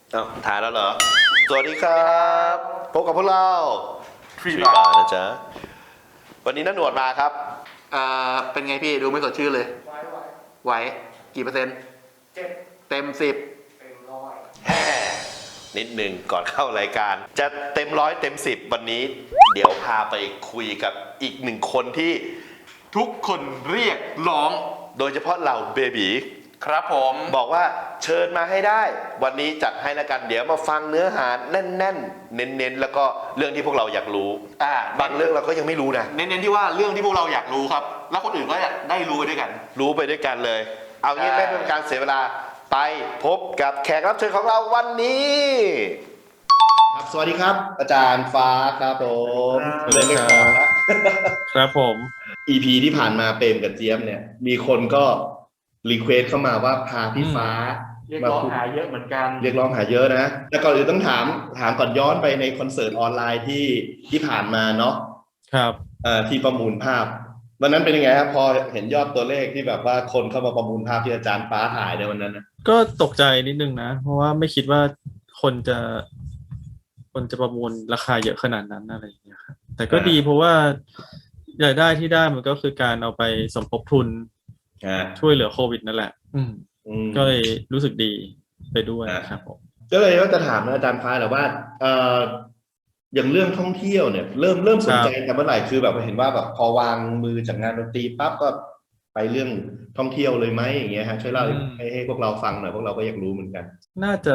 ถ่ายแล้วเหรอสวัสดีครับพบกับพวกเราฟรีฟรีบาบาร์ร์นะจ๊ะวันนี้น้าหนวดมาครับเป็นไงพี่ดูไม่สดชื่นเลย ไหวกี่เปอร์เซ็นต์เต็ม 10 แฮ่นิดหนึ่งก่อนเข้ารายการ จะเต็ม100เต็ม10วันนี้ เดี๋ยวพาไปคุยกับอีกหนึ่งคนที่ทุกคนเรียกร้อง โดยเฉพาะเราเบบีครับผมบอกว่าเชิญมาให้ได้ วันนี้จัดให้ละกันเดี๋ยวมาฟังเนื้อหาแน่นๆเน้นๆแล้วก็เรื่องที่พวกเราอยากรู้บางเรื่องเราก็ยังไม่รู้นะเน้นๆที่ว่าเรื่องที่พวกเราอยากรู้ครับ แล้วคนอื่นก็อยากได้รู้ไปด้วยกันรู้ไปด้วยกันเลย เอางี้ใช่ไม่เป็นการเสียเวลาไปพบกับแขกรับเชิญของเราวันนี้ครับสวัสดีครับ อาจารย์ฟ้าครับผมสวัสดีครับครับผม EP ที่ผ่านมาเปรมกับเจี๊ยบเนี่ย มีคนก็รีเควสเข้ามาว่าพาพี่ฟ้าเรียกร้องหาเยอะเหมือนกันเรียกร้องหาเยอะนะแต่ก่อนอื่นต้องถามก่อนย้อนไปในคอนเสิร์ตออนไลน์ที่ผ่านมาเนาะครับที่ประมูลภาพวันนั้นเป็นยังไงครับพอเห็นยอดตัวเลขที่แบบว่าคนเข้ามาประมูลภาพที่อาจารย์ฟ้าถ่ายในวันนั้นนะก็ตกใจนิดนึงนะ เพราะว่าไม่คิดว่าคนจะประมูลราคาเยอะขนาดนั้นอะไรอย่างเงี้ยครับแต่ก็ดีเพราะว่ารายได้ที่ได้มันก็คือการเอาไปสมทบทุนช่วยเหลือโควิดนั่นแหละ ก็เลยรู้สึกดีไปด้วยครับผมก็เลยว่าจะถามอาจารย์ฟ้าแหละว่าอย่างเรื่องท่องเที่ยวเนี่ยเริ่มสนใจกันเมื่อไหร่คือแบบเห็นว่าแบบพอวางมือจากงานดนตรีปั๊บก็ไปเรื่องท่องเที่ยวเลยไหมอย่างเงี้ยฮะช่วยเล่าให้พวกเราฟังหน่อยพวกเราก็อยากรู้เหมือนกันน่าจะ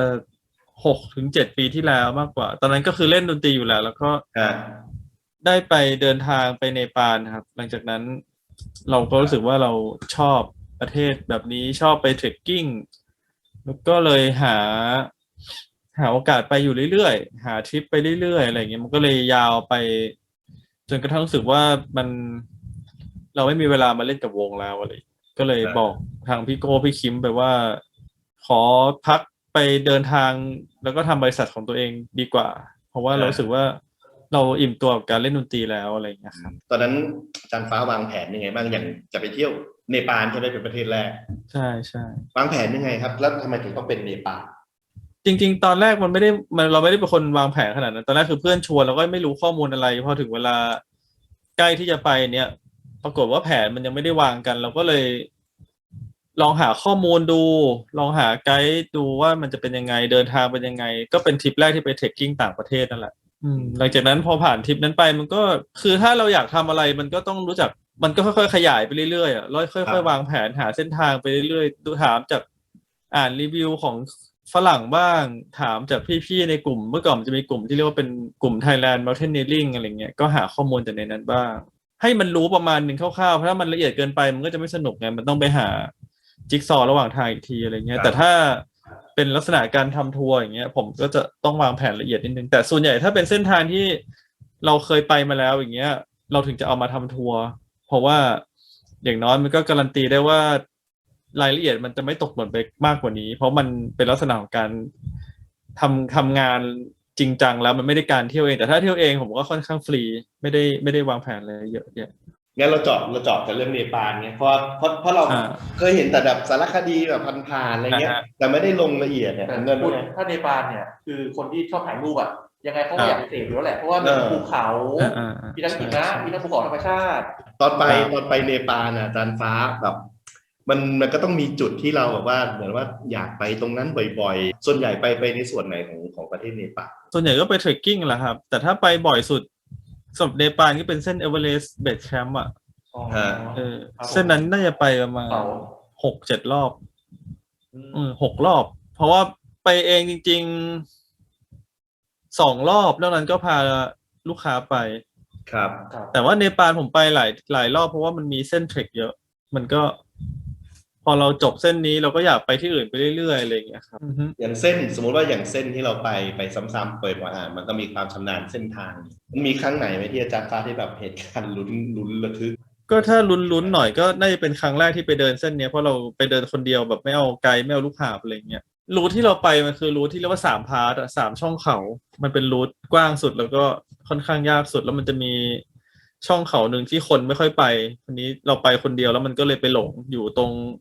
6-7 ปีที่แล้วมากกว่า ตอนนั้นก็คือเล่นดนตรีอยู่แล้วก็ได้ไปเดินทางไปเนปาลครับหลังจากนั้นเราก็รู้สึกว่าเราชอบประเทศแบบนี้ชอบไปเทรคกิ้งแล้วก็เลยหาโอกาสไปอยู่เรื่อยๆหาทริปไปเรื่อยๆอะไรเงี้ยมันก็เลยยาวไปจนกระทั่งรู้สึกว่าเราไม่มีเวลามาเล่นกับวงแล้วอะไรก็เลยบอกทางพี่โก้พี่คิมไปว่าขอพักไปเดินทางแล้วก็ทำบริษัทของตัวเองดีกว่าเพราะว่าเรารู้สึกว่าเราอิ่มตัวกับการเล่นดนตรีแล้วอะไรอย่างเงี้ยครับตอนนั้นอาจารย์ฟ้าวางแผนยังไงบ้างอย่างจะไปเที่ยวเนปาลใช่ไหมเป็นประเทศแรกใช่ใช่วางแผนยังไงครับแล้วทำไมถึงต้องเป็นเนปาลจริงๆตอนแรกเราไม่ได้เป็นคนวางแผนขนาดนั้นตอนแรกคือเพื่อนชวนเราก็ไม่รู้ข้อมูลอะไรพอถึงเวลาใกล้ที่จะไปเนี่ยปรากฏว่าแผนมันยังไม่ได้วางกันเราก็เลยลองหาข้อมูลดูลองหาไกด์ดูว่ามันจะเป็นยังไงเดินทางเป็นยังไงก็เป็นทริปแรกที่ไปเทรคกิ้งต่างประเทศนั่นแหละหลังจากนั้นพอผ่านทริปนั้นไปมันก็คือถ้าเราอยากทำอะไรมันก็ต้องรู้จักมันก็ค่อยๆขยายไปเรื่อยๆอ่ะแล้วค่อยๆวางแผนหาเส้นทางไปเรื่อยๆดูถามจากอ่านรีวิวของฝรั่งบ้างถามจากพี่ๆในกลุ่มเมื่อก่อนมันจะมีกลุ่มที่เรียกว่าเป็นกลุ่ม Thailand Mountaineering อะไรเงี้ยก็หาข้อมูลจากในนั้นบ้างให้มันรู้ประมาณหนึ่งคร่าวๆเพราะถ้ามันละเอียดเกินไปมันก็จะไม่สนุกไงมันต้องไปหาจิ๊กซอว์ระหว่างทางอีกทีอะไรเงี้ยแต่ถ้าเป็นลักษณะการทำทัวร์อย่างเงี้ยผมก็จะต้องวางแผนละเอียดนิดนึงแต่ส่วนใหญ่ถ้าเป็นเส้นทางที่เราเคยไปมาแล้วอย่างเงี้ยเราถึงจะเอามาทำทัวร์เพราะว่าอย่างน้อยมันก็การันตีได้ว่ารายละเอียดมันจะไม่ตกหล่นไปมากกว่านี้เพราะมันเป็นลักษณะของการทำงานจริงจังแล้วมันไม่ได้การเที่ยวเองแต่ถ้าเที่ยวเองผมก็ค่อนข้างฟรีไม่ได้วางแผนอะไรเยอะแยะงั้นเราเจาะแต่เรื่องเนปาลไงเพราะเราเคยเห็นแต่แบบสารคดีแบบผ่านๆอะไรเงี้ยแต่ไม่ได้ลงละเอียดเนี่ยแต่ถ้าเนปาลเนี่ยคือคนที่ชอบถ่ายรูปอะยังไงเขาก็อยากไปเสพอยู่แล้วแหละเพราะว่ามีภูเขามีทั้งหิมะมีทั้งภูเขาธรรมชาติตอนไปเนปาลอาจารย์ฟ้าแบบมันก็ต้องมีจุดที่เราแบบว่าเหมือนว่าอยากไปตรงนั้นบ่อยๆส่วนใหญ่ไปในส่วนไหนของประเทศเนปาลส่วนใหญ่ก็ไปเทรคกิ้งแหละครับแต่ถ้าไปบ่อยสุดสำหรับเนปาลก็เป็นเส้นเอเวอเรสต์เบสแคมป์อ่ะเส้นนั้นน่าจะไปประมาณ6-7 รอบ6 รอบเพราะว่าไปเองจริงๆ2 รอบนอกนั้นก็พาลูกค้าไปครับแต่ว่าเนปาลผมไปหลายรอบเพราะว่ามันมีเส้นเทรคเยอะมันก็พอเราจบเส้นนี้เราก็อยากไปที่อื่นไปเรื่อยๆอะไรอย่างเงี้ยครับอย่างเส้นสมมติว่าอย่างเส้นที่เราไปซ้ำๆเปิดว่ามันก็มีความชำนาญเส้นทางมันมีครั้งไหนไหมที่อาจารย์ฟ้าที่แบบเหตุการณ์ลุ้นระทึกก็ถ้าลุ้นหน่อยก็น่าจะเป็นครั้งแรกที่ไปเดินเส้นนี้เพราะเราไปเดินคนเดียวแบบไม่เอาไกด์ไม่เอาลูกหาบอะไรเงี้ยรูทที่เราไปมันคือรูทที่เรียกว่า3 พาร์ทอ่ะ3 ช่องเขามันเป็นรูทกว้างสุดแล้วก็ค่อนข้างยากสุดแล้วมันจะมีช่องเขาหนึ่งที่คนไม่ค่อยไปทีนี้เราไปคนเดียวแล้วมันก็เลยไปหลงอยู่ตรง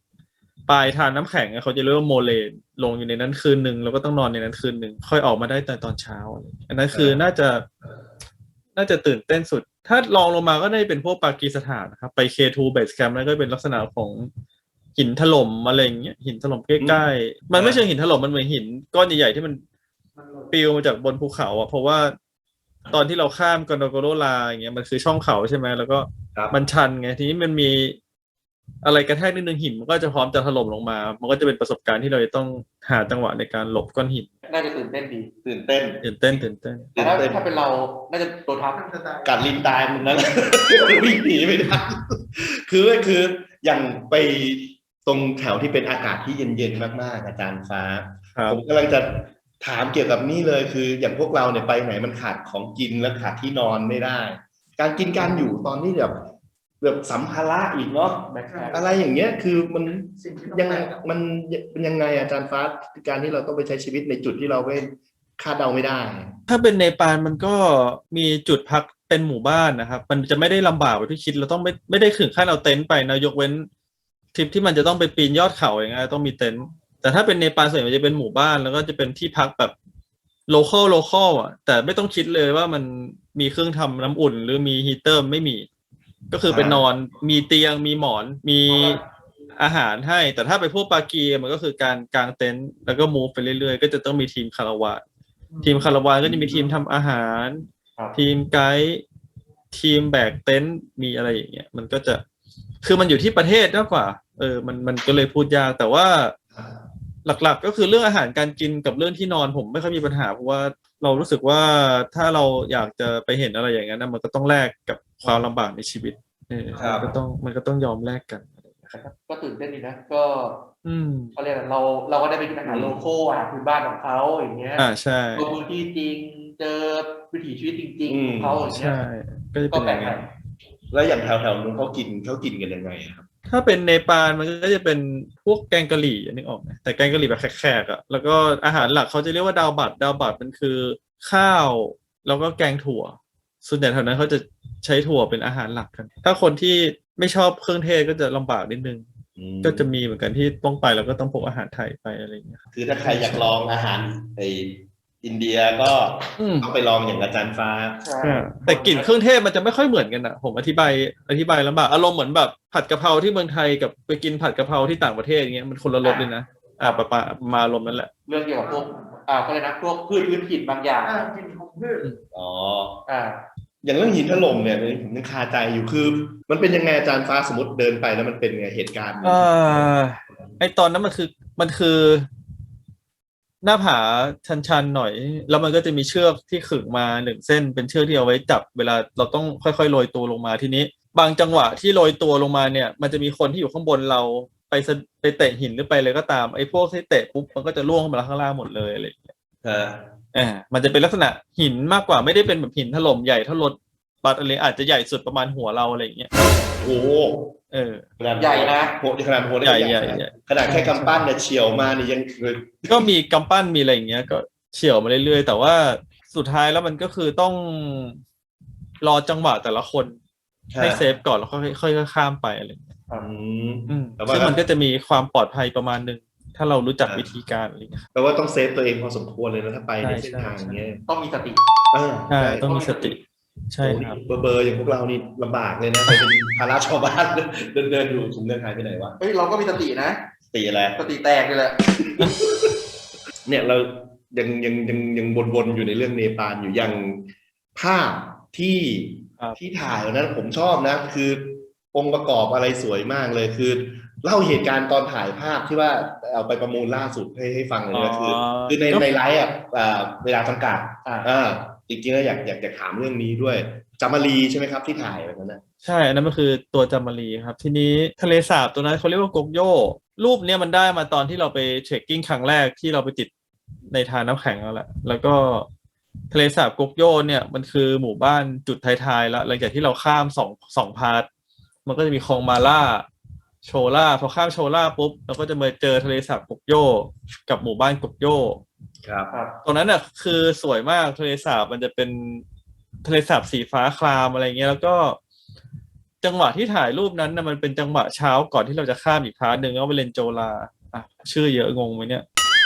ปลายทานน้ำแข็งเขาจะเรียกว่าโมเลนลงอยู่ในนั้นคืนหนึ่งแล้วก็ต้องนอนในนั้นคืนหนึ่งค่อยออกมาได้ตอนเช้าอันนั้นคือน่าจะตื่นเต้นสุดถ้าลองลงมาก็ได้เป็นพวกปากีสถานนะครับไป K2 Base Camp นั่นก็เป็นลักษณะของหินถล่มอะไรอย่างเงี้ยหินถล่มใกล้ๆมันไม่เชิงหินถล่มมันเหมือนหินก้อนใหญ่ๆที่มันปลิวมาจากบนภูเขาอ่ะเพราะว่าตอนที่เราข้ามกอนโดโกโรลาอย่างเงี้ยมันคือช่องเขาใช่ไหมแล้วก็มันชันไงทีนี้มันมีอะไรกระแทกนิดนึงหินมันก็จะพร้อมจะถล่มลงมามันก็จะเป็นประสบการณ์ที่เราจะต้องหาจังหวะในการหลบก้อนหินน่าจะตื่นเต้นดีตื่นเต้นแต่ถ้าเป็นเราน่าจะโดนทับกัดลิ้นตายมันนั้น วิ่งหนีไม่ได้คืออย่างไปตรงแถวที่เป็นอากาศที่เย็นๆมากๆอาจารย์ฟ้าผมกำลังจะถามเกี่ยวกับนี่เลยคืออย่างพวกเราเนี่ยไปไหนมันขาดของกินและขาดที่นอนไม่ได้ การกินการอยู่ตอนนี้แบบสัมภาระอีกเนาะอะไรอย่างเงี้ยคือมันยังไงอาจารย์ฟ้าการที่เราต้องไปใช้ชีวิตในจุดที่เราไม่คาดเดาไม่ได้ถ้าเป็นเนปาลมันก็มีจุดพักเป็นหมู่บ้านนะครับมันจะไม่ได้ลำบากแบบที่คิดเราต้องไม่ได้ถึงขั้นเอาเต็นท์ไปนะยกเว้นทริปที่มันจะต้องไปปีนยอดเขาอย่างเงี้ยต้องมีเต็นท์แต่ถ้าเป็นเนปาลส่วนใหญ่มันจะเป็นหมู่บ้านแล้วก็จะเป็นที่พักแบบโลคอลอ่ะแต่ไม่ต้องคิดเลยว่ามันมีเครื่องทำน้ำอุ่นหรือมีฮีเตอร์ไม่มีก็คือไปนอนมีเตียงมีหมอนมีอาหารให้แต่ถ้าไปพวกปากีมันก็คือการกางเต็นท์แล้วก็มูฟไปเรื่อยๆก็จะต้องมีทีมคาราวานก็จะมีทีมทำอาหารทีมไกด์ทีมแบกเต็นท์มีอะไรอย่างเงี้ยมันก็จะคือมันอยู่ที่ประเทศมากกว่ามันก็เลยพูดยากแต่ว่าหลักๆก็คือเรื่องอาหารการกินกับเรื่องที่นอนผมไม่ค่อยมีปัญหาเพราะว่าเรารู้สึกว่าถ้าเราอยากจะไปเห็นอะไรอย่างนั้นมันก็ต้องแลกกับความลำบากในชีวิตมันก็ต้องยอมแลกกันก็ตื่นเต้นดีนะก็เขาเรียกเราก็ได้ไปกินอาหารโลคอลอาหารพื้นบ้านของเขาอย่างเงี้ยใช่เจอพื้นที่จริงเจอวิถีชีวิตจริงๆของเขาอย่างเงี้ยก็แปลกใหม่แล้วอย่างแถวๆนู้นเขากินกันยังไงครับถ้าเป็นเนปาลมันก็จะเป็นพวกแกงกะหรี่นึกออกไหมแต่แกงกะหรี่แบบแขกๆอ่ะแล้วก็อาหารหลักเขาจะเรียกว่าดาวบัตมันคือข้าวแล้วก็แกงถั่วส่วนใหญ่แถวนั้นเขาจะใช้ถั่วเป็นอาหารหลักกันถ้าคนที่ไม่ชอบเครื่องเทศก็จะลำบากนิดนึงก็จะมีเหมือนกันที่ต้องไปแล้วก็ต้องพกอาหารไทยไปอะไรอย่างเงี้ยคือถ้าใครอยากลองอาหารอินเดียก็ต้องไปลองอย่างอาจารย์ฟ้าแต่กลิ่นเครื่องเทศมันจะไม่ค่อยเหมือนกันอ่ะผมอธิบายลำบากอารมณ์เหมือนแบบผัดกะเพราที่เมืองไทยกับไปกินผัดกะเพราที่ต่างประเทศอย่างเงี้ยมันคนละรสเลยนะมาลมนั่นแหละเรื่องเกี่ยวกับพวกเขาเลยนะพวกพืชพื้นถิ่นบางอย่างกินของพืชอย่างเรื่องหินถล่มเนี่ยผมยังคาใจอยู่คือมันเป็นยังไงอาจารย์ฟ้าสมมติเดินไปแล้วมันเป็นไงเหตุการณ์ไอตอนนั้นมันคือหน้าผาชันๆหน่อยแล้วมันก็จะมีเชือกที่ขึงมา1เส้นเป็นเชือกที่เอาไว้จับเวลาเราต้องค่อยๆโรยตัวลงมาทีนี้บางจังหวะที่โรยตัวลงมาเนี่ยมันจะมีคนที่อยู่ข้างบนเราไปเตะหินหรือไปเลยก็ตามไอ้พวกที่เตะปุ๊บมันก็จะล่วงมาข้างล่างหมดเลยอะไรอย่างเงี้ยมันจะเป็นลักษณะหินมากกว่าไม่ได้เป็นแบบหินถล่มใหญ่เท่ารถบัสอะไรอาจจะใหญ่สุดประมาณหัวเราอะไรอย่างเงี้ยโอ้ใหญ่นะขนาดหัวใหญ่ขนาดแค่กำปั้นเนี่ยเฉียวมานี่ยังก็มีกำปั้นมีอะไรอย่างเงี้ยก็เฉียวมาเรื่อยๆแต่ว่าสุดท้ายแล้วมันก็คือต้องรอจังหวะแต่ละคนให้เซฟก่อนแล้วค่อยๆข้ามไปอะไรอย่างเงี้ยซึ่งมันก็จะมีความปลอดภัยประมาณนึงถ้าเรารู้จักวิธีการอะไรอย่างเงี้ยแปลว่าต้องเซฟตัวเองพอสมควรเลยนะถ้าไปในเส้นทางเงี้ยต้องมีสติใช่ต้องมีสติใช่ครับเบอร์อย่างพวกเรานี่ลำบากเลยนะไปเป็นภาระชาวบ้านเดินอยู่ถุงเดินหายไปไหนวะเราก็มีสตินะสติอะไรสติแตกเลยแหละเนี่ยเรายังวนอยู่ในเรื่องเนปาลอยู่อย่างภาพที่ถ่ายนั้นผมชอบนะคือองค์ประกอบอะไรสวยมากเลยคือเล่าเหตุการณ์ตอนถ่ายภาพที่ว่าเอาไปประมูลล่าสุดให้ฟังเลยนะคือในไลฟ์เวลาจำกัดจริงๆแล้วอยากถามเรื่องนี้ด้วยจามารีใช่ไหมครับที่ถ่ายแบบนั้นนะใช่อันนั้นมันคือตัวจามารีครับทีนี้ทะเลสาบตัวนั้นเขาเรียกว่ากกโยรูปเนี้ยมันได้มาตอนที่เราไปเทรคกิ้งครั้งแรกที่เราไปติดในทานน้ำแข็งแล้วก็ทะเลสาบกกโยเนี่ยมันคือหมู่บ้านจุดท้ายๆแล้วหลังจากที่เราข้ามสองพาร์ทมันก็จะมีคลองมาล่าโชล่าพอข้ามโชล่าปุ๊บเราก็จะมาเจอทะเลสาบกกโยกับหมู่บ้านกกโยครับตรงนั้นน่ะคือสวยมากทะเลสาบมันจะเป็นทะเลสาบสีฟ้าครามอะไรเงี้ยแล้วก็จังหวะที่ถ่ายรูปนั้นนะมันเป็นจังหวะเช้าก่อนที่เราจะข้ามอีกพาร์ทหนึ่งก็ไปเลนโจลาอ่ะชื่อเยอะงงไหมเนี่ย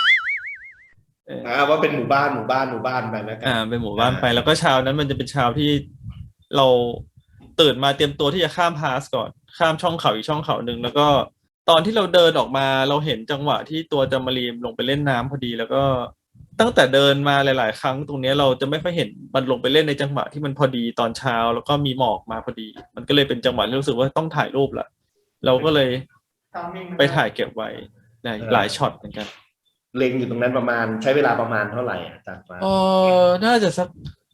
ว่าเป็นหมู่บ้านไปแล้วกันเป็นหมู่บ้านไปแล้วก็เช้านั้นมันจะเป็นเช้าที่เราตื่นมาเตรียมตัวที่จะข้ามพาสก่อนข้ามช่องเขาอีกช่องเขาหนึ่งแล้วก็ตอนที่เราเดินออกมาเราเห็นจังหวะที่ตัวจามารีมลงไปเล่นน้ำพอดีแล้วก็ตั้งแต่เดินมาหลายๆครั้งตรงนี้เราจะไม่ค่อยเห็นมันลงไปเล่นในจังหวะที่มันพอดีตอนเช้าแล้วก็มีหมอกมาพอดีมันก็เลยเป็นจังหวะที่รู้สึกว่าต้องถ่ายรูปละเราก็เลยไปถ่ายเก็บไว้หลายช็อตเหมือนกันเล็งอยู่ตรงนั้นประมาณใช้เวลาประมาณเท่าไหร่อาจารย์ฟ้าน่าจะสัก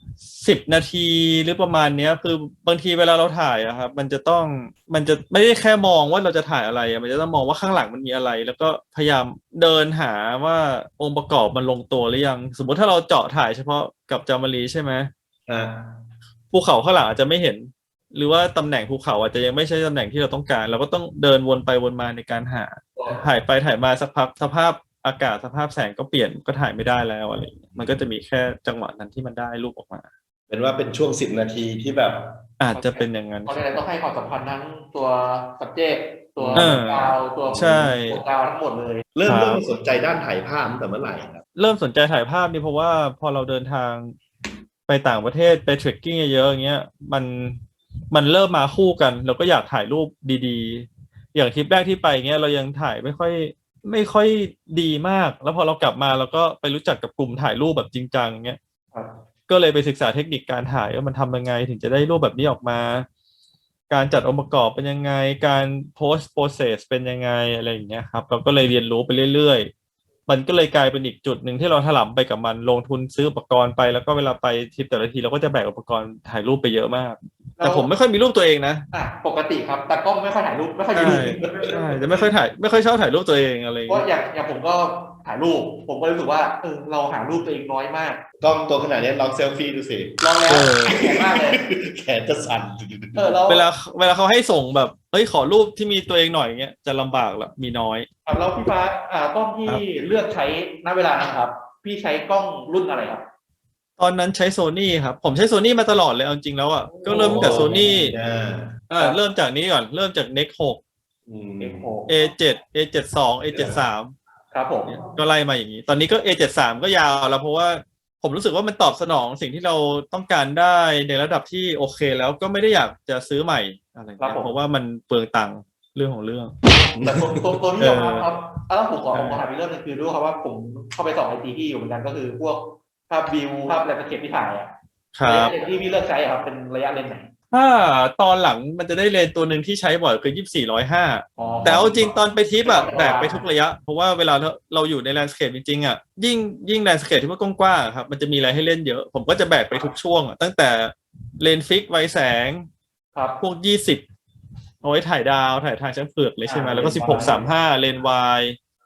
10 นาทีหรือประมาณเนี้ยคือบางทีเวลาเราถ่ายอะครับมันจะไม่ได้แค่มองว่าเราจะถ่ายอะไรมันจะต้องมองว่าข้างหลังมันมีอะไรแล้วก็พยายามเดินหาว่าองค์ประกอบมันลงตัวหรือยังสมมติถ้าเราเจาะถ่ายเฉพาะกับจามารีใช่ไหมภูเขาข้างหลังอาจจะไม่เห็นหรือว่าตำแหน่งภูเขาอาจจะยังไม่ใช่ตำแหน่งที่เราต้องการเราก็ต้องเดินวนไปวนมาในการหาถ่ายไปถ่ายมาสักพักสภาพอากาศสภาพแสงก็เปลี่ยนก็ถ่ายไม่ได้แล้วอะไรมันก็จะมีแค่จังหวะนั้นที่มันได้รูปออกมาเป็นว่าเป็นช่วง10 นาทีที่แบบอาจจะเป็นอย่างนั้นเพราะฉะนั้นต้องให้ความสำคัญทั้งตัว subject ตัวกาวตัวกาวทั้งหมดเลยเริ่มสนใจด้านถ่ายภาพตั้งแต่เมื่อไหร่ครับเริ่มสนใจถ่ายภาพนี่เพราะว่าพอเราเดินทางไปต่างประเทศไปเทรคกิ้งเยอะๆอย่างเงี้ยมันเริ่มมาคู่กันเราก็อยากถ่ายรูปดีๆอย่างทริปแรกที่ไปเงี้ยเรายังถ่ายไม่ค่อยดีมากแล้วพอเรากลับมาเราก็ไปรู้จักกับกลุ่มถ่ายรูปแบบจริงจังเงี้ยก็เลยไปศึกษาเทคนิคการถ่ายว่ามันทำยังไงถึงจะได้รูปแบบนี้ออกมาการจัดองค์ประกอบเป็นยังไงการ post process เป็นยังไงอะไรอย่างเงี้ยครับเราก็เลยเรียนรู้ไปเรื่อยๆมันก็เลยกลายเป็นอีกจุดหนึ่งที่เราถลำไปกับมันลงทุนซื้ออุปกรณ์ไปแล้วก็เวลาไปทริปแต่ละทีเราก็จะแบกอุปกรณ์ถ่ายรูปไปเยอะมากแต่ผมไม่ค่อยมีรูปตัวเองนะปกติครับแต่กล้องไม่ค่อยถ่ายรูปไม่ค่อยมีรูปใช่จะไม่ค่อยชอบถ่ายรูปตัวเองอะไรเพราะอย่างผมก็ถ่ายรูปผมก็รู้สึกว่าเราหารูปตัวเองน้อยมากกล้องตัวขนาดนี้ลองเซลฟี่ดูสิลองแล้วแข็งมากเลยแขนจะสั่นเวลาเขาให้ส่งแบบขอรูปที่มีตัวเองหน่อยเงี้ยจะลำบากละมีน้อยครับแล้วพี่ฟ้ากล้องที่เลือกใช้ณเวลานั้นครับพี่ใช้กล้องรุ่นอะไรครับตอนนั้นใช้โซนี่ครับผมใช้โซนี่มาตลอดเลยเอาจริงแล้วอ่ะก็เริ่มจากโซนี่เริ่มจากนี้ก่อนเริ่มจาก Nex 6 A7 A72 A73 ครับผมก็ไล่มาอย่างนี้ตอนนี้ก็ A73 ก็ยาวแล้วเพราะว่าผมรู้สึกว่ามันตอบสนองสิ่งที่เราต้องการได้ในระดับที่โอเคแล้วก็ไม่ได้อยากจะซื้อใหม่อะไรเพราะว่ามันเปลืองตังค์เรื่องของเรื่องแต่ตัวที่ยอมรับครับแล้วผมขอถามอีกเรื่องนึงคือด้วยครับว่าผมเข้าไปส่องไอจีที่อยู่เหมือนกันก็คือพวกภาพวิวภาพแลนด์สเคปที่ถ่ายอ่ะระยะเลนส์ที่พี่เลือกใช้ครับเป็นระยะเลนส์ไหนถ้าตอนหลังมันจะได้เลนส์ตัวหนึ่งที่ใช้บ่อยคือ24-105แต่เอาจริงตอนไปทริปอะแบกไปทุกระยะเพราะว่าเวลาเราอยู่ในแลนด์สเคปจริงๆอะยิ่งแลนด์สเคปที่ว่ากว้างๆครับมันจะมีอะไรให้เล่นเยอะผมก็จะแบกไปทุกช่วงตั้งแต่เลนส์ฟิกไวแสงพวก20เอาไว้ถ่ายดาวถ่ายทางช้างเผือกเลยใช่ไหมแล้วก็16-35เลนส์วาย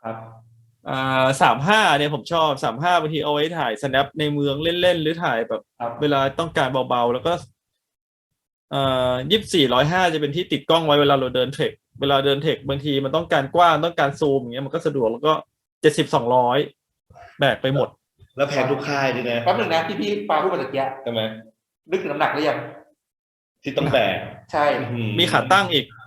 35เนี่ยผมชอบ35บางทีเอาไว้ถ่าย snap ในเมืองเล่นๆหรือถ่ายแบบเวลาต้องการเบาๆแล้วก็24-105จะเป็นที่ติดกล้องไว้เวลาเราเดินเทรคบางทีมันต้องการกว้างต้องการซูมอย่างเงี้ยมันก็สะดวกแล้วก็70-200แบกไปหมดแล้วแพงทุกค่ายด้วยนะแป๊บนึงนะที่พี่ปาพูดมาตะกี้ใช่ไหมนึกถึงน้ำหนักหรือยังที่ต้องแบกใช่มีขาตั้งอีก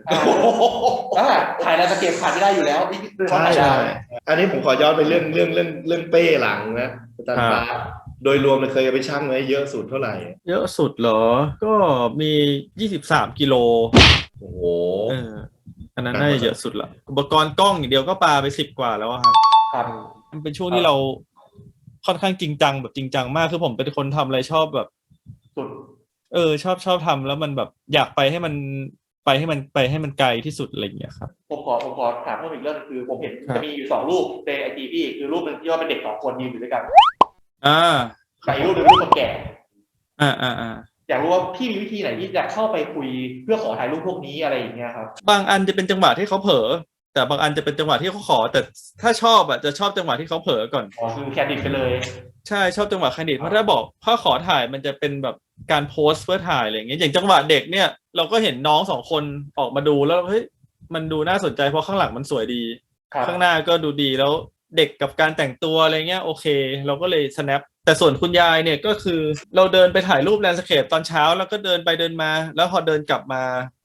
ถ่ายแล้วสเก็ตขาดไม่ได้อยู่แล้วใช่อันนี้ผมขอย้อนไปเรื่องเป้หลังนะอาจารย์ฟ้าโดยรวมเคยไปชั่งไว้เยอะสุดเท่าไหร่เยอะสุดเหรอก็มี23กิโลโอ้โหอันนั้นน่าจะเยอะสุดละอุปกรณ์กล้องอย่างเดียวก็ปาไป10กว่าแล้วครับมันเป็นช่วงที่เราค่อนข้างจริงจังแบบจริงจังมากคือผมเป็นคนทำอะไรชอบแบบสุดชอบทำแล้วมันแบบอยากไปให้มันไกลที่สุดอะไรอย่างเงี้ยครับผมขอถามเพิ่มอีกเรื่องนึงคือผมเห็นจะมีอยู่2รูปใน IG พี่คือรูปนึงที่ว่าเป็นเด็ก2คนยืนอยู่ด้วยกันกับอีกรูปนึงรูปคนแก่อยากรู้ว่าพี่มีวิธีไหนที่จะเข้าไปคุยเพื่อขอถ่ายรูปพวกนี้อะไรอย่างเงี้ยครับบางอันจะเป็นจังหวะที่เขาเผลอแต่บางอันจะเป็นจังหวะที่เขาขอแต่ถ้าชอบจะชอบจังหวะที่เขาเผลอก่อนคือแคนดิดไปเลยใช่ชอบจังหวะแคนดิดเพราะถ้าบอกถ้าขอถ่ายมันจะเป็นแบบการโพสเพื่อถ่ายอะไรอย่างเงี้ยอย่างจังหวะเด็กเนี่ยเราก็เห็นน้อง2คนออกมาดูแล้วเฮ้ยมันดูน่าสนใจเพราะข้างหลังมันสวยดีข้างหน้าก็ดูดีแล้วเด็กกับการแต่งตัวอะไรเงี้ยโอเคเราก็เลย snap แต่ส่วนคุณยายเนี่ยก็คือเราเดินไปถ่ายรูปแลนด์สเคปตอนเช้าแล้วก็เดินไปเดินมาแล้วพอเดินกลับมา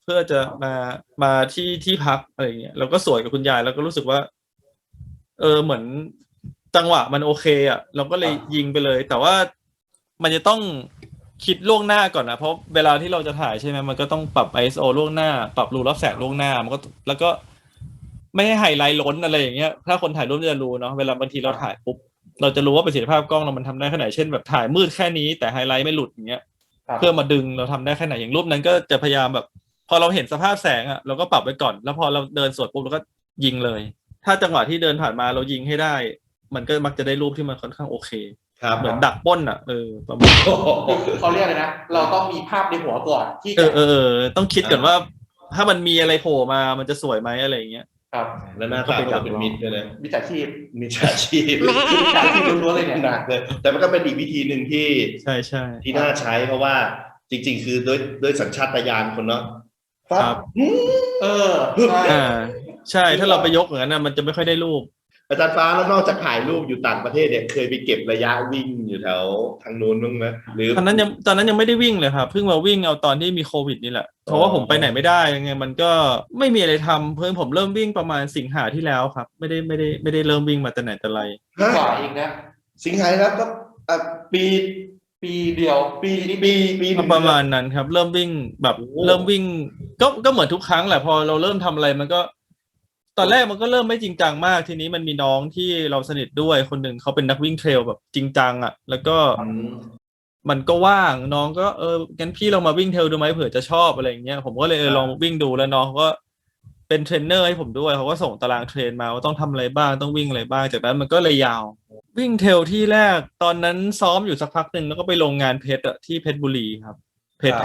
เพื่อจะมาที่พักอะไรเงี้ยเราก็สวนกับคุณยายแล้วก็รู้สึกว่า เหมือนจังหวะมันโอเคอ่ะเราก็เลยยิงไปเลย แต่ว่ามันจะต้องคิดล่วงหน้าก่อนนะเพราะเวลาที่เราจะถ่ายใช่ไหมมันก็ต้องปรับ ISO ล่วงหน้าปรับรูรับแสงล่วงหน้ามันก็แล้วก็ไม่ให้ไฮไลท์ล้นอะไรอย่างเงี้ยถ้าคนถ่ายรูปจะรู้เนาะเวลาบางทีเราถ่ายปุ๊บเราจะรู้ว่าประสิทธิภาพกล้องเรามันทำได้แค่ไหนเช่นแบบถ่ายมืดแค่นี้แต่ไฮไลท์ไม่หลุดอย่างเงี้ยเพื่อมาดึงเราทำได้แค่ไหนอย่างรูปนั้นก็จะพยายามแบบพอเราเห็นสภาพแสงอ่ะเราก็ปรับไว้ก่อนแล้วพอเราเดินสวนปุ๊บเราก็ยิงเลยถ้าจังหวะที่เดินผ่านมาเรายิงให้ได้มันก็มักจะได้รูปที่มันค่อนข้างโอเคเหมือนดักปล้นอ่ะประมาณเขาเรียกเลยนะเราต้องมีภาพในหัวก่อนที่จะต้องคิดก่อนว่าถ้ามันมีอะไรโผล่มามันจะสวยไหมอะไรอย่างเงี้ยครับแล้วหน้าตาก็เป็นมิตรด้วยนะมิจฉาชีพมิจฉาชีพมิจฉาชีพล้วนๆเลยเนี่ยหนักเลยแต่มันก็เป็นอีกวิธีหนึ่งที่ใช่ใช่ที่น่าใช้เพราะว่าจริง ๆ คือด้วยสัญชาตญาณคนเนาะครับใช่ใช่ถ้าเราไปยกอย่างนั้นนะมันจะไม่ค่อยได้รูปอาจารย์ฟ้าแล้วนอกจากถ่ายรูปอยู่ต่างประเทศเนี่ยเคยไปเก็บระยะวิ่งอยู่แถวทางนู้นบ้างไหมหรือตอนนั้นยังไม่ได้วิ่งเลยครับเพิ่งมาวิ่งเอาตอนที่มีโควิดนี่แหละเพราะว่าผมไปไหนไม่ได้ยังไงมันก็ไม่มีอะไรทำเพิ่งผมเริ่มวิ่งประมาณสิงหาที่แล้วครับไม่ได้เริ่มวิ่งมาแต่ไหนแต่ไรกว่าเองนะสิงหาแล้วก็ปีเดียวปีนี้ประมาณนั้นครับเริ่มวิ่งแบบเริ่มวิ่งก็เหมือนทุกครั้งแหละพอเราเริ่มทำอะไรมันก็ตอนแรกมันก็เริ่มไม่จริงจังมากทีนี้มันมีน้องที่เราสนิทด้วยคนหนึ่งเขาเป็นนักวิ่งเทรลแบบจริงจังอ่ะแล้วก็มันก็ว่างน้องก็งั้นพี่ลองมาวิ่งเทรลดูไหมเผื่อจะชอบอะไรอย่างเงี้ยผมก็เลยลองวิ่งดูแล้วน้องเขาก็เป็นเทรนเนอร์ให้ผมด้วยเขาก็ส่งตารางเทรนมาว่าต้องทำอะไรบ้างต้องวิ่งอะไรบ้างจากนั้นมันก็เลยยาววิ่งเทรลที่แรกตอนนั้นซ้อมอยู่สักพักหนึ่งแล้วก็ไปลงงานเพชรอะที่เพชรบุรีครับเพชร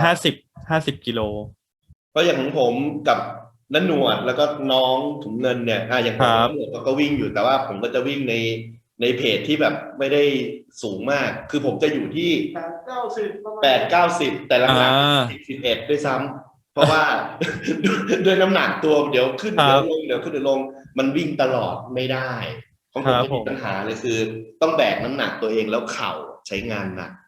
50กิโลก็อย่างของผมกับนันหนวดแล้วก็น้องถุงเงินเนี่ยอย่างผมนันหนวดก็วิ่งอยู่แต่ว่าผมก็จะวิ่งในเพจที่แบบไม่ได้สูงมากคือผมจะอยู่ที่8-90แต่หลังๆ11ด้วยซ้ำเพราะว่า ด้วยน้ำหนักตัวเดี๋ยวขึ้นเดี๋ยวลงเดี๋ยวขึ้นเดี๋ยวลงมันวิ่งตลอดไม่ได้ของผมไม่มีปัญหาเลยคือต้องแบกน้ำหนักตัวเองแล้วเข่าใช้งานหนัก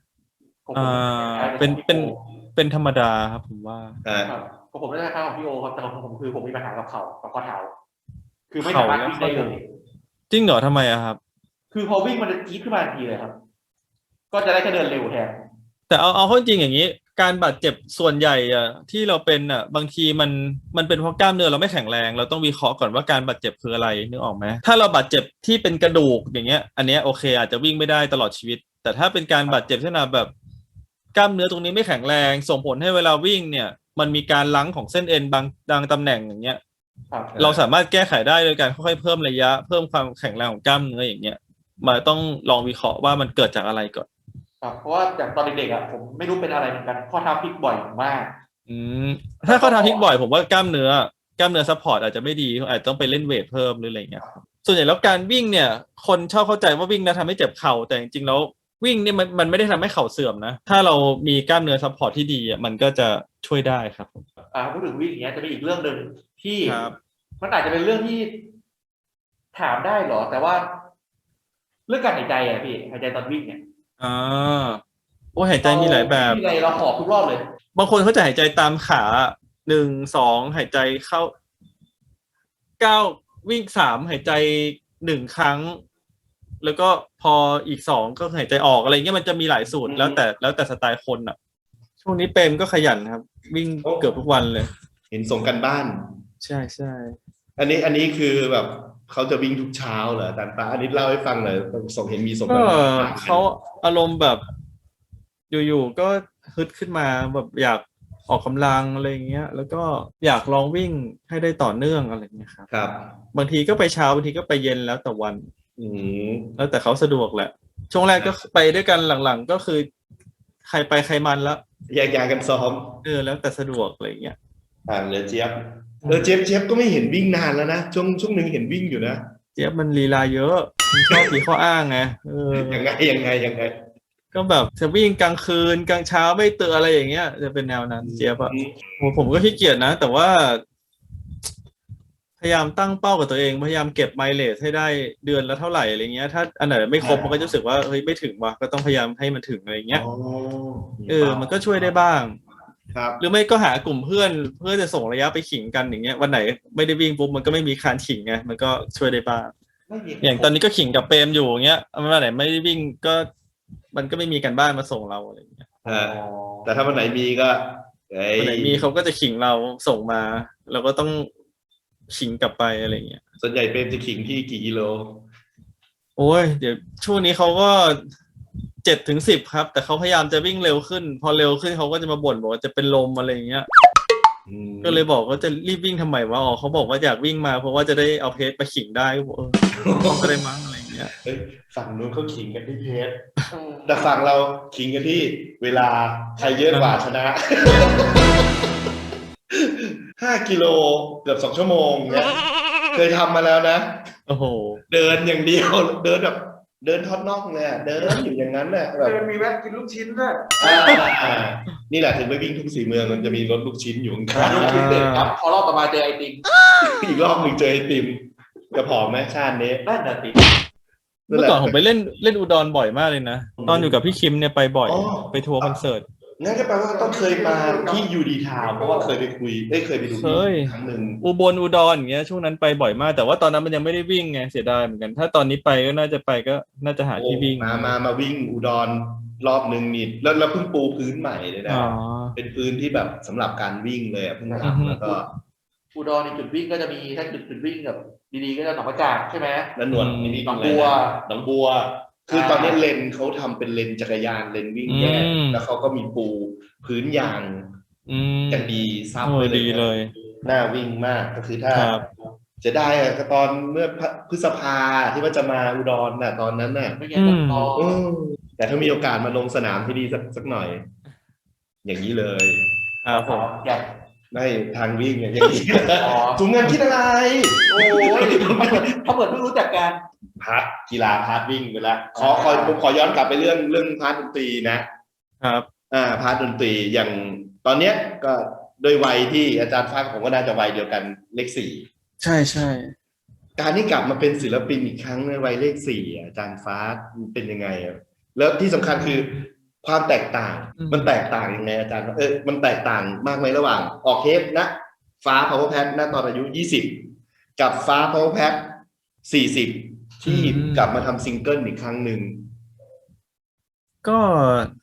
เป็นธรรมดาครับผมว่าของผมไม่ได้ค่าของพี่โอครับแต่ของผมคือผมมีปัญหากับเข่ากับข้อเท้าคือไม่สามารถวิ่งได้เลยจริงเหรอทำไมอะครับคือพอวิ่งมันจะจี๊ดขึ้นมาทันทีเลยครับก็จะได้แค่เดินเร็วแทนแต่เอาเข้าจริงอย่างนี้การบาดเจ็บส่วนใหญ่อะที่เราเป็นอะบางทีมันเป็นเพราะกล้ามเนื้อเราไม่แข็งแรงเราต้องวิเคราะห์ก่อนว่าการบาดเจ็บคืออะไรนึกออกไหมถ้าเราบาดเจ็บที่เป็นกระดูกอย่างเงี้ยอันเนี้ยโอเคอาจจะวิ่งไม่ได้ตลอดชีวิตแต่ถ้าเป็นการบาดเจ็บเช่นแบบกล้ามเนื้อตรงนี้ไม่แข็งแรงส่งผลให้เวลาวิ่งเนี่ยมันมีการลังของเส้นเอ็นบางตำแหน่งอย่างเงี้ยเราสามารถแก้ไขได้โดยการค่อยๆเพิ่มระยะเพิ่มความแข็งแรงของกล้ามเนื้ออย่างเงี้ยมาต้องลองวิเคราะห์ว่ามันเกิดจากอะไรก่อนเพราะว่าจากตอนเด็กๆผมไม่รู้เป็นอะไรเหมือนกันข้อเท้าพลิกบ่อยมากถ้าข้อเท้าพลิกบ่อยผมว่ากล้ามเนื้อซัพพอร์ตอาจจะไม่ดีอาจจะต้องไปเล่นเวทเพิ่มหรืออะไรเงี้ยส่วนใหญ่แล้วการวิ่งเนี่ยคนชอบเข้าใจว่าวิ่งนะทำให้เจ็บเข่าแต่จริงๆแล้ววิ่งเนี่ยมันไม่ได้ทำให้เข่าเสื่อมนะถ้าเรามีกล้ามเนื้อซัพพอร์ตที่ดีมันก็จะช่วยได้ครับพูดถึงวิ่งอย่างเงี้ยจะมีอีกเรื่องหนึ่งที่มันอาจจะเป็นเรื่องที่ถามได้หรอแต่ว่าเรื่องการหายใจพี่หายใจตอนวิ่งเนี่ยหายใจมีหลายแบบมีอะไรเราหอบทุกรอบเลยบางคนเขาจะหายใจตามขา1-2หายใจเข้า9วิ่ง3หายใจ1ครั้งแล้วก็พออีก2ก็หายใจออกอะไรเงี้ยมันจะมีหลายสูตรแล้วแต่สไตล์คนอ่ะช่วงนี้เปรมก็ขยันครับวิ่งเกือบทุกวันเลยเห็นส่งกันบ้านใช่อันนี้คือแบบเขาจะวิ่งทุกเช้าเหรออาจารย์ฟ้าอันนี้เล่าให้ฟังหน่อยส่งเห็นมีส่งกันเขาอารมณ์แบบอยู่ๆก็ฮึดขึ้นมาแบบอยากออกกำลังอะไรเงี้ยแล้วก็อยากลองวิ่งให้ได้ต่อเนื่องอะไรเงี้ยครับบางทีก็ไปเช้าบางทีก็ไปเย็นแล้วแต่วันแล้วแต่เขาสะดวกแหละช่วงแรกก็ไปด้วยกันหลังๆก็คือใครไปใครมันแล้วแยกย้ายกันซ้อมแล้วแต่สะดวกอะไรเงี้ยเลยเจี๊ยบเจี๊ยบก็ไม่เห็นวิ่งนานแล้วนะช่วงนึงเห็นวิ่งอยู่นะเจี๊ยบมันลีลาเยอะชอบมีข้ออ้างไงยังไงก็แบบจะวิ่งกลางคืนกลางเช้าไม่ตื่นอะไรอย่างเงี้ยจะเป็นแนวนั้นเจี๊ยบผมก็ขี้เกียจนะแต่ว่าพยายามตั้งเป้ากับตัวเองพยายามเก็บไมล์เลจให้ได้เดือนละเท่าไหร่อะไรเงี้ยถ้าอันไหนไม่ครบมันก็จะรู้สึกว่าเฮ้ยไม่ถึงว่ะก็ต้องพยายามให้มันถึงอะไรเงี้ยมันก็ช่วยได้บ้างครับหรือไม่ก็หากลุ่มเพื่อนเพื่อจะส่งระยะไปขิงกันอย่างเงี้ยวันไหนไม่ได้วิ่งปุ๊บมันก็ไม่มีการขิงไงมันก็ช่วยได้บ้างไม่มีอย่างตอนนี้ก็ขิงกับเปรมอยู่อย่างเงี้ยวันไหนไม่ได้วิ่งก็มันก็ไม่มีการบ้านมาส่งเราอะไรอย่างเงี้ยแต่ถ้าวันไหนมีก็เอ้ยวันไหนมีเขาก็จะขิงเราส่งมาเราก็ต้องขิงกลับไปอะไรอย่างเงี้ยส่วนใหญ่เป็นจะขิงที่กี่กิโลโอ้ยเดี๋ยวช่วงนี้เขาก็7 ถึง 10ครับแต่เขาพยายามจะวิ่งเร็วขึ้น พอเร็วขึ้นเขาก็จะมาบ่นบอกว่าจะเป็นลมอะไรอย่างเงี้ย ก็เลยบอกว่าจะรีบวิ่งทำไมวะอ๋อเขาบอกว่าอยากวิ่งมาเพราะว่าจะได้เอาเพจไปขิงได้ก็บอกต้องก็ได้มั้งอะไรอย่างเงี้ยเฮ้ยฝั่งนู้นเขาขิงกันที่เพชรแต่ฝั่งเราขิงกันที่เวลาใครเยอะกว่าชนะ 5 กิโลเกือบ2 ชั่วโมงเนี่ยเคยทำมาแล้วนะโอ้โหเดินอย่างเดียว เดินแบบเดินทอดน่องเลยอะเดินอยู่อย่างนั้นแหละแบบมีแวะกินลูกชิ้นด้วยนี่แหละถึงไปวิ่งทุก4 เมืองมันจะมีรถลูกชิ้นอยู่ข้างลูกชิ้นเด็ดครับพอรอบต่อมาเจอไอติมๆอีกรอบหนึ่งเจอไอติมจะผอมไหมชาตินี้นั่นน่ะสิเมื่อก่อนผมไปเล่นอุดรบ่อยมากเลยนะตอนอยู่กับพี่คิมเนี่ยไปบ่อยอ๋อไปทัวร์คอนเสิร์ตงั้นก็แปลว่าต้องเคยมาที่ยูดีทาวเพราะว่าเคยไปคุยเคยไปดูเคยครั้งหนึ่งอุบลอุดรอย่างเงี้ยช่วงนั้นไปบ่อยมาก แต่ว่าตอนนั้นมันยังไม่ได้วิ่งไงเสียดายเหมือนกัน ถ้าตอนนี้ไปก็น่าจะไปก็น่าจะหาที่วิ่งมาวิ่งอุดรรอบหนึ่งนี่แล้วเพิ่งปูพื้นใหม่เลยนะอ๋อเป็นพื้นที่แบบสำหรับการวิ่งเลยอะเพิ่งอือฮึทำแล้วก็อุดรในจุดวิ่งก็จะมีถ้าจุดวิ่งแบบดีๆก็จะหนองประจักษ์ใช่ไหมแล้วหนวดนี่หนองบัวหนองบัว คือตอนนี้เลนเขาทำเป็นเลนจักรยานเลนวิ่งแยกแล้วเขาก็มีปูพื้นยางอืมอย่างดีซับโอ้ไว้ยดีเลยน่าวิ่งมากก็คือถ้าครับจะได้อะก็ตอนเมื่อพฤษภาที่ว่าจะมาอุดรน่ะตอนนั้นน่ะไม่งั้นก็รออืมแต่ถ้ามีโอกาสมาลงสนามที่ดีสักหน่อย อย่างนี้เลยครับผมอยากได้ทางวิ่งอย่างนี้อ๋อถุงเงินคิดอะไรโอ้ยเขาเหมือนเพิ่งรู้จักกันพาร์ทกีฬาพาร์ทวิ่งไปแล้วผมขอย้อนกลับไปเรื่องพาร์ทดนตรีนะครับ พาร์ทดนตรีอย่างตอนเนี้ยก็ด้วยวัยที่อาจารย์ฟ้ากับผมก็น่าจะวัยเดียวกันเลข 4 ใช่ใช่การที่กลับมาเป็นศิลปินอีกครั้งในวัยเลข 4อ่ะอาจารย์ฟ้าเป็นยังไงอะแล้วที่สำคัญคือความแตกต่างมันแตกต่างยังไงอาจารย์มันแตกต่างมากไหมระหว่างออกเทปนะฟ้า Power Pad ณตอนอายุ20กับฟ้า Power Pad 40ที่กลับมาทำซิงเกิลอีกครั้งหนึ่งก็